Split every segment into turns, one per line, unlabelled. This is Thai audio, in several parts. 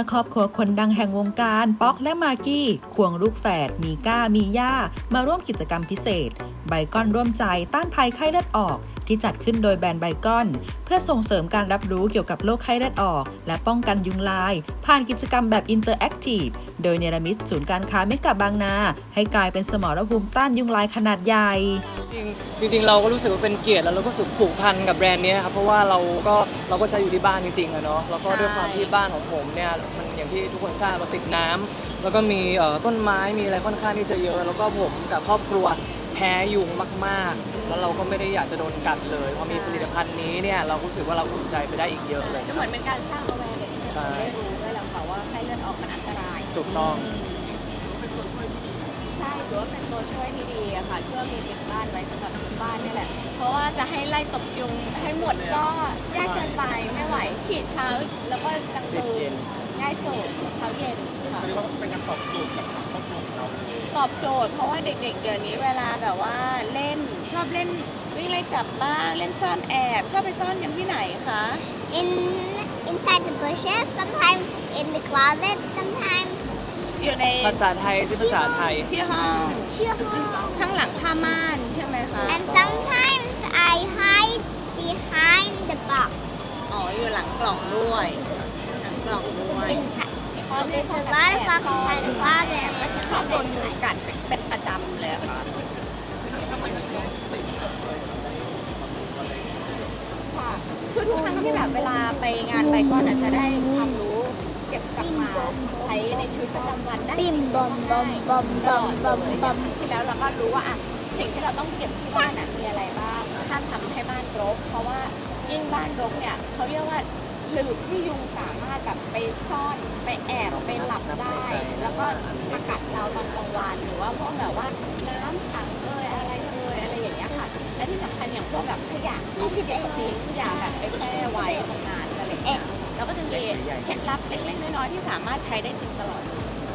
ครอบครัวคนดังแห่งวงการป๊อกและมากกี้ควงลูกแฝดมีก้ามีย่ามาร่วมกิจกรรมพิเศษไบคอนร่วมใจต้านภัยไข้เลือดออกที่จัดขึ้นโดยแบรนด์ไบคอนเพื่อส่งเสริมการรับรู้เกี่ยวกับโรคไข้เลือดออกและป้องกันยุงลายผ่านกิจกรรมแบบอินเตอร์แอคทีฟโดยเนรมิตศูนย์การค้าเมกะบางนาให้กลายเป็นสมรภูมิต้านยุงลายขนาดใหญ่
จริงเราก็รู้สึกว่าเป็นเกียรติแล้วเราก็รู้สึกผูกพันกับแบรนด์นี้ครับเพราะว่าเราก็ใช้อยู่ที่บ้านจริงๆอะเนาะแล้วก็ด้วยความที่บ้านของผมเนี่ยมันอย่างที่ทุกคนทราบเราติดน้ำแล้วก็มีต้นไม้มีอะไรค่อนข้างที่จะเยอะแล้วก็ผมกับครอบครัวแพ้ยุงมากๆแล้วเราก็ไม่ได้อยากจะโดนกัดเลยพอมีผลิตภัณฑ์นี้เนี่ยเรารู้สึก็เราอุ่นใจไปได้อีกเยอะเลย
ก็เหมือนเป็นการสร้าง awareness ให้ได้รู้ด้วยแหละค่ะว่าไข้เลือดออกมันอันตราย
ถูกต้อง
ใช่ถือว่าเป็นตัวช่วยที่ดีอะค่ะช่วยมีติดบ้านไว้สำหรับทุกบ้านนี่แหละเพราะว่าจะให้ไล่ตบยุงให้หมดก็ยากเกินไปไม่ไหวฉีดเช้าแล้วก็กลางคืนง่ายสุดเช้าเย็นค่ะ
เรียกว่าเป็นการตอบโจทย์กับครอบครัวของเรา
ตอบโจทย์เพราะว่าเด็กๆเดี๋ยวนี้เวลาแบบว่าเล่นชอบเล่นวิ่งไล่จับบ้างเล่นซ่อนแอบชอบไปซ่อนกันที่ไหนคะ
inside the bushes sometimes in the closet sometimes
อยู่ใน
ภาษาไทยที่ภาษาไทย
ที่ห้องข้างหลังผ้าม่านใช่ไหมคะ
and sometimes I hide behind the box
อ๋ออยู่หลังกล่องด้วยหลังกล่องด้วย
there's a lot of boxes inside the closet
ชอบโดนยุงกัดเป็นประจำเลยค่ะคือทุกครั้งที่แบบเวลาไปงานไปก็อาจจะได้ความรู้เก็บกลับมาใช้ในชีวิตประจำวันได้
บิมบอมบอมบอมบอมบอมบอม
ที่แล้วเราก็รู้ว่าอะสิ่งที่เราต้องเก็บที่บ้านมีอะไรบ้างห้ามทำให้บ้านรกเพราะว่ายิ่งบ้านรกเนี่ยเขาเรียกว่าหลืบที่ยุงสามารถแบบไปซ่อนไปแอบไปหลับได้แล้วก็มากัดเราตอนกลางวันหรือว่าพวกแบบว่าน้ำขังอะไรอย่างเงี้ยค่ะและที่สำคัญอย่างพวกแบบขยะที่เด็กทิ้งอย่าแบบไปแช่ไว้ตรงนั้นอะไรอย่างเงี้ยแล้วก็จะมีเคล็ดลับเล็กๆน้อยๆที่สามารถใช้ได้จริงตลอด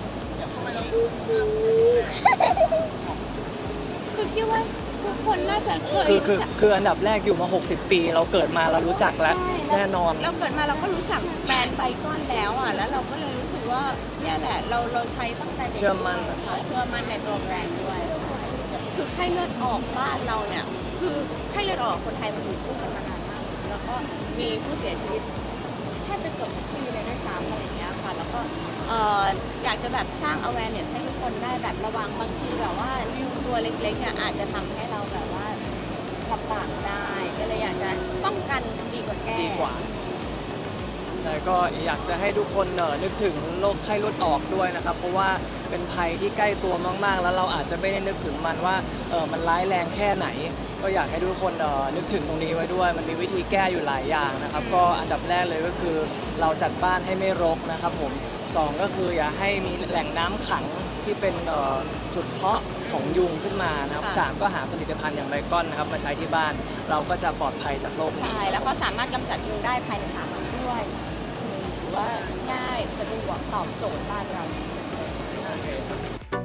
คือคิดว่าทุกคนน่าจะเคย
คืออันดับแรกอยู่มา60 ปีเราเกิดมาเรารู้จักแล้วแน่นอน
เราเกิดมาเราก็รู้จักแบรนด์ไบคอนแล้วอ่ะแล้วเราก็เลยรู้สึกว่าเนี่ยแหละเราใช้ตั้งแต่เด็ก
เชื่อมั่น
ในตัวแบรนด์ด้วยคือไข้เลือดออกบ้านเราเนี่ยคือไข้เลือดออกคนไทยมันอยู่คู่กันมานานมากแล้วก็มีผู้เสียชีวิตแทบจะเกือบทุกปีเลยด้วยซ้ำอะไรอย่างเงี้ยค่ะแล้วก็อยากจะแบบสร้าง awareness ให้ทุกคนได้แบบระวังบางทีแบบว่ายุงตัวเล็กๆเนี่ยอาจจะทำให้เราแบบว่าลำบากได้ก็เลยอยากจะป้องกันดีกว่าแก้
แต่ก็อยากจะให้ทุกคนนึกถึงโรคไข้เลือดออกด้วยนะครับเพราะว่าเป็นภัยที่ใกล้ตัวมากๆแล้วเราอาจจะไม่ได้นึกถึงมันว่ามันร้ายแรงแค่ไหนก็อยากให้ทุกคนนึกถึงตรงนี้ไว้ด้วยมันมีวิธีแก้อยู่หลายอย่างนะครับก็อันดับแรกเลยก็คือเราจัดบ้านให้ไม่รกนะครับผม2ก็คืออย่าให้มีแหล่งน้ำขังที่เป็นจุดเพาะของยุงขึ้นมานะครับ3ก็หาผลิตภัณฑ์อย่างไบคอนนะครับมาใช้ที่บ้านเราก็จะปลอดภัยจากโรคนี้
ใช่แล้วก็สามารถกำจัดยุงได้ภายใน3 วันด้วยถือว่าง่ายสะดวกตอบโจทย์บ้านเรา